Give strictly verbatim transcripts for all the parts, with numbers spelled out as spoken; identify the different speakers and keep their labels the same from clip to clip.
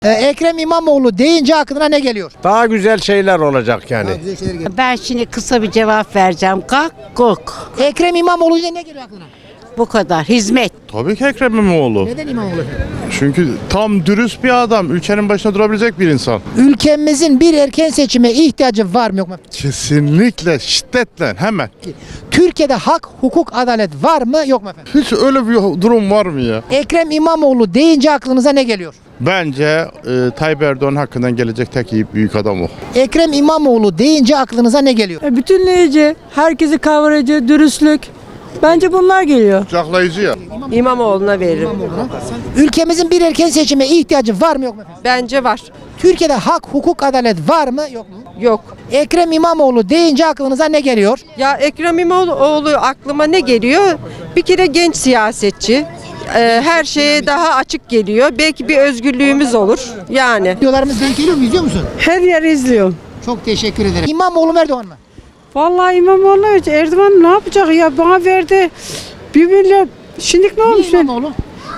Speaker 1: Ee, Ekrem İmamoğlu deyince aklına ne geliyor?
Speaker 2: Daha güzel şeyler olacak yani.
Speaker 1: Güzel şeyler geliyor.
Speaker 3: Ben şimdi kısa bir cevap vereceğim. Kalk kok.
Speaker 1: Ekrem İmamoğlu deyince ne geliyor aklına?
Speaker 3: Bu kadar. Hizmet.
Speaker 4: Tabii ki Ekrem İmamoğlu.
Speaker 1: Neden İmamoğlu efendim?
Speaker 4: Çünkü tam dürüst bir adam. Ülkenin başına durabilecek bir insan.
Speaker 1: Ülkemizin bir erken seçime ihtiyacı var mı yok mu?
Speaker 4: Kesinlikle, şiddetle, hemen.
Speaker 1: Türkiye'de hak, hukuk, adalet var mı yok mu efendim?
Speaker 4: Hiç öyle bir durum var mı ya?
Speaker 1: Ekrem İmamoğlu deyince aklınıza ne geliyor?
Speaker 4: Bence e, Tayyip Erdoğan hakkından gelecek tek iyi büyük adam o.
Speaker 1: Ekrem İmamoğlu deyince aklınıza ne geliyor?
Speaker 5: E, Bütünleyici, herkesi kavrayıcı, dürüstlük. Bence bunlar geliyor.
Speaker 4: Kucaklayıcı ya.
Speaker 6: İmamoğlu'na veririm.
Speaker 1: Ülkemizin bir erken seçime ihtiyacı var mı yok mu efendim?
Speaker 6: Bence var.
Speaker 1: Türkiye'de hak, hukuk, adalet var mı yok mu?
Speaker 6: Yok.
Speaker 1: Ekrem İmamoğlu deyince aklınıza ne geliyor?
Speaker 6: Ya Ekrem İmamoğlu aklıma ne geliyor? Bir kere genç siyasetçi. Ee, her şeye daha açık geliyor. Belki bir özgürlüğümüz olur. Yani.
Speaker 1: Videolarımız denk geliyor mu? İzliyor musun?
Speaker 5: Her yer izliyorum.
Speaker 1: Çok teşekkür ederim. İmamoğlu mu Erdoğan mı?
Speaker 5: Vallahi İmamoğlu Erdoğan ne yapacak ya? Bana verdi. Birbirine şimdi ne olmuş? ben-
Speaker 1: İmamoğlu.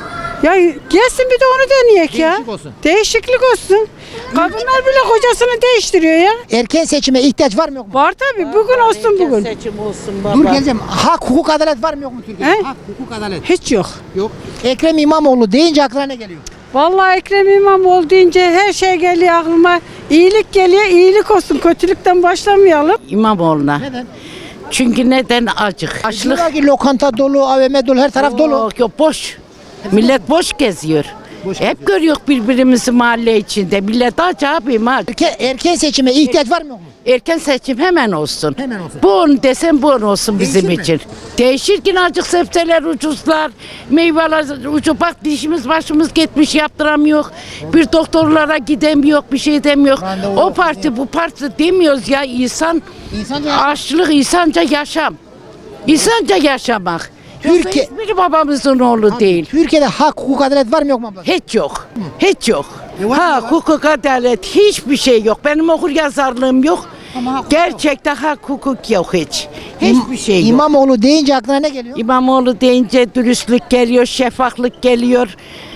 Speaker 5: Ya gelsin bir de onu deneyek ya.
Speaker 1: Değişik olsun.
Speaker 5: Değişiklik olsun. Kadınlar bile kocasını değiştiriyor ya.
Speaker 1: Erken seçime ihtiyaç var mı yok mu?
Speaker 5: Var tabii. Bugün olsun bugün.
Speaker 3: Seçim olsun baba.
Speaker 1: Dur geleceğim. Hak, hukuk, adalet var mı yok mu Türkiye'de?
Speaker 5: He?
Speaker 1: Hak, hukuk, adalet.
Speaker 5: Hiç yok.
Speaker 1: Yok. Ekrem İmamoğlu deyince aklına ne geliyor?
Speaker 5: Vallahi Ekrem İmamoğlu deyince her şey geliyor aklıma. İyilik geliyor, iyilik olsun. Kötülükten başlamayalım.
Speaker 3: İmamoğlu'na.
Speaker 1: Neden?
Speaker 3: Çünkü neden acık? Açlık.
Speaker 1: Diyorlar ki lokanta dolu, A V M dolu, her taraf dolu.
Speaker 3: Yok yok boş. Millet boş geziyor.
Speaker 1: Boş
Speaker 3: Hep görüyor birbirimizi mahalle içinde. Millet aç abim aç.
Speaker 1: Erken, erken seçime ihtiyaç var mı yok mu?
Speaker 3: Erken seçim hemen olsun.
Speaker 1: Hemen olsun.
Speaker 3: Bu on desem bu on olsun bizim
Speaker 1: Değişir mi?
Speaker 3: için. Değişir ki acık sebzeler ucuzlar, meyveler ucuz. Bak dişimiz başımız gitmiş yaptıramıyor. Bir doktorlara gidemiyor, bir şey demiyor.
Speaker 1: Randevu
Speaker 3: O
Speaker 1: yok.
Speaker 3: parti bu parti demiyoruz ya insan.
Speaker 1: İnsanca
Speaker 3: Açlık insanca yaşam. İnsanca yaşamak.
Speaker 1: Türkiye-
Speaker 3: Türkiye hiçbir babamızın oğlu değil.
Speaker 1: Türkiye'de hak, hukuk, adalet var mı yok mu abla?
Speaker 3: Hiç yok. Hiç yok.
Speaker 1: E var
Speaker 3: Ha
Speaker 1: mı?
Speaker 3: hukuk adalet hiçbir şey yok. Benim okur yazarlığım yok.
Speaker 1: Ama hak-
Speaker 3: Gerçekten hak hukuk yok hiç. Hiçbir şey yok.
Speaker 1: İmamoğlu deyince aklına ne geliyor?
Speaker 3: İmamoğlu deyince dürüstlük geliyor, şeffaflık geliyor,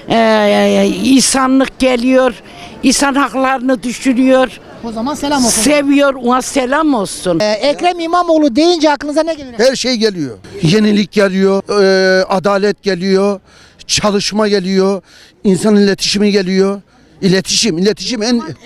Speaker 3: eee, insanlık geliyor, insan haklarını düşünüyor,
Speaker 1: O zaman selam olsun.
Speaker 3: seviyor, ona selam olsun.
Speaker 1: Ee, Ekrem İmamoğlu deyince aklınıza ne geliyor?
Speaker 7: Her şey geliyor. Yenilik geliyor, e, adalet geliyor, çalışma geliyor, insan iletişimi geliyor. İletişim, iletişim en